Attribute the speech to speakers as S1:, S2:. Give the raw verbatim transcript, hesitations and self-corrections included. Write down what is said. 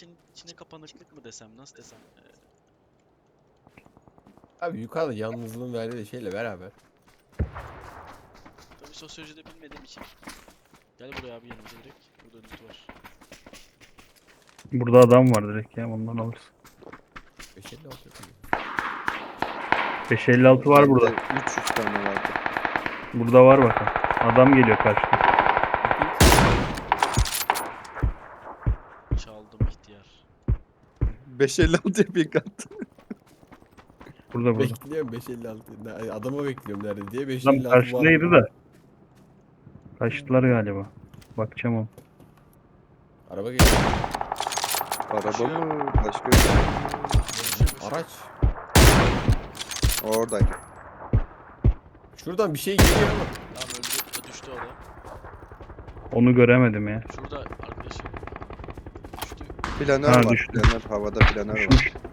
S1: için içine kapanıklık mı desem, nasıl desem. Ee,
S2: Abi yukarıda yalnızlığın verdiği şeyle beraber.
S1: tabii sosyolojide bilmediğim için. Gel buraya abi, yanımıza direkt. Burada loot var.
S3: Burada adam var direkt ya, ondan alırız.
S2: beş elli altı yapayım.
S3: beş elli altı var burada.
S4: üç yüz tane vardı.
S3: Burada var bakın. Adam geliyor karşıda.
S1: Çaldım ihtiyar.
S4: beş elli altı ping attı.
S3: Burada burada.
S2: Bekliyorum beş elli altı. Ne- Adamı bekliyorum nerede diye beş
S3: Adam
S2: elli altı var.
S3: karşıdaydı da. Kaçtılar galiba. Bakacağım o.
S2: Araba geliyor.
S4: Araba mı? Başka bir şey mi?
S2: Araç.
S4: Oradaydı.
S2: Şuradan bir şey geliyor ama.
S1: Tamam, öldü. Düştü o da.
S3: Onu göremedim ya.
S1: Şurada arkadaşı. Düştü.
S4: Planör
S3: Ha,
S4: var.
S3: düştü.
S4: Planör havada planör var.
S3: Düşmüş.